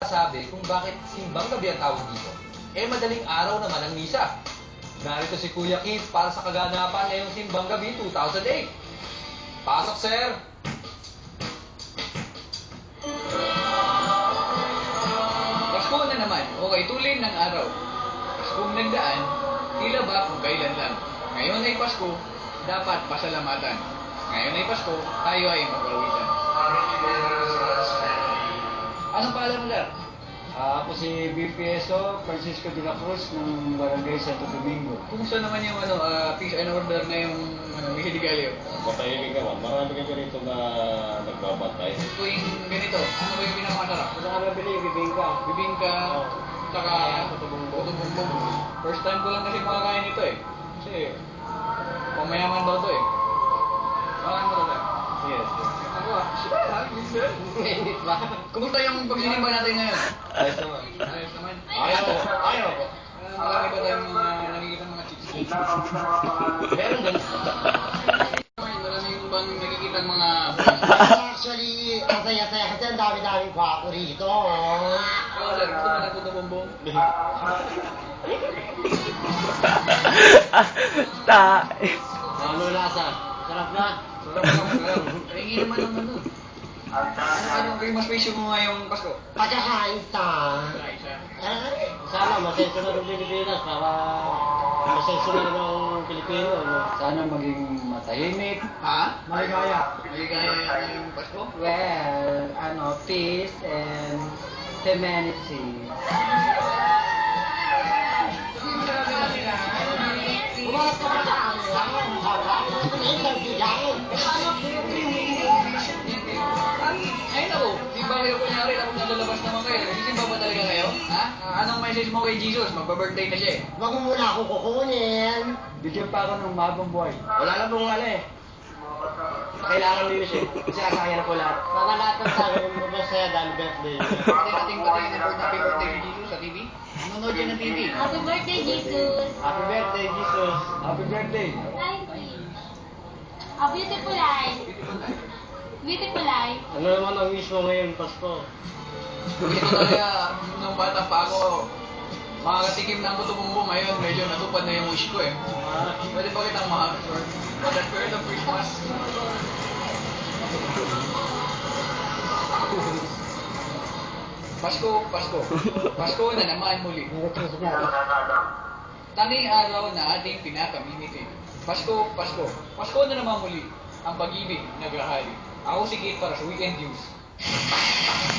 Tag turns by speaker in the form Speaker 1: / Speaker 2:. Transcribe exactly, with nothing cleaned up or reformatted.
Speaker 1: Sabi kung bakit simbang gabi ang tawag dito. Eh madaling araw naman ang misa. Narito si Kuya Keith para sa kaganapan ngayong simbang gabi two thousand eight. Pasok, sir!
Speaker 2: Pasko na naman, okay tulin ng araw. Paskong nagdaan, tila ba kung kailan lang. Ngayon ay Pasko, dapat pasalamatan. Ngayon ay Pasko, tayo ay magpawisan. Anong pangalan mo, Lar?
Speaker 3: Ah, ako si B P S O Francisco de la Cruz ng Barangay Santo Domingo.
Speaker 2: Kumusta naman yung ano, ah, peace and order na yung ano, Mihiligalyo?
Speaker 4: Matahimik naman. Marami ka rito na nagbabatay.
Speaker 2: Ito yung ganito, ano ba yung pinakamasarap?
Speaker 3: Ano ka nabili? Bibingka.
Speaker 2: Bibingka,
Speaker 3: Oh.
Speaker 2: saka tutubong-bong. First time ko lang kasi makakain ito eh. Kasi, pamayaman daw to eh. Saan mo to, Lar?
Speaker 3: Yes.
Speaker 2: Ako ah, minsan.
Speaker 3: Init ba?
Speaker 2: Kumusta yung pagsinimba natin ngayon?
Speaker 4: Ayos naman.
Speaker 2: Ayos naman.
Speaker 4: Ayaw po. Ayaw po.
Speaker 2: Ah, marami ba tayong mga nakikita mga chicks?
Speaker 4: Meron din.
Speaker 2: Marami yung bang nakikita mga
Speaker 5: Actually, masaya-saya kasi ang dami-daming kwako rito. Oh.
Speaker 2: Oh, sir, gusto mo nagputo-bombong?
Speaker 3: Ta.
Speaker 5: Ano lasa? Sarap na.
Speaker 2: Sarap lang, sarap. Pahingi naman ng ano. Ano, ano kayo mas presyo mo ngayong Pasko?
Speaker 5: Pagkakain ta.
Speaker 2: Ay, siya.
Speaker 5: Ay, sana masenso na ng Pilipinas para masenso na ng Pilipino. No?
Speaker 3: Sana maging matahimik.
Speaker 2: Ha?
Speaker 3: Maligaya.
Speaker 2: Maligaya yata yung Pasko?
Speaker 3: Well, ano, peace and humanity.
Speaker 5: Bumalas ka pa sa akin. Interview yan.
Speaker 2: Ayun ako, di ba kayo kunyari ako nalalabas naman kayo? Nagsisimba ba talaga kayo? Ha? Ah, anong message mo kay Jesus? Magpa-birthday na siya eh.
Speaker 5: Huwag mo muna ako kukunin.
Speaker 3: Bigyan pa ako ng mahabang buhay.
Speaker 4: Wala na pong ano eh. Kailangan din siya. Kasi nakakaya na po lahat.
Speaker 5: Para lahat ng tao mo masaya dahil birthday.
Speaker 2: Pwede nating patayin ng birthday, happy birthday ni Jesus sa T V? Nanonood yan ng T V.
Speaker 6: Happy birthday, Jesus!
Speaker 5: Happy birthday, Jesus.
Speaker 3: Happy birthday.
Speaker 6: Thank you. A beautiful life. Beautiful life.
Speaker 5: Ano naman ang wish mo ngayon, Pasko?
Speaker 2: Hindi ko talaga, nung bata pa ako, makakatikim ng puto-bumbong ngayon, medyo natupad na yung wish ko eh. Pwede ba kitang mahal, sir? For the spirit of Christmas. Pasko, Pasko. Pasko na naman muli. Tanging araw na ating pinakamimiti. Pasko, Pasko. Pasko na naman muli. Ang pag-ibig nagrahali. Ako si Kate para sa Weekend News.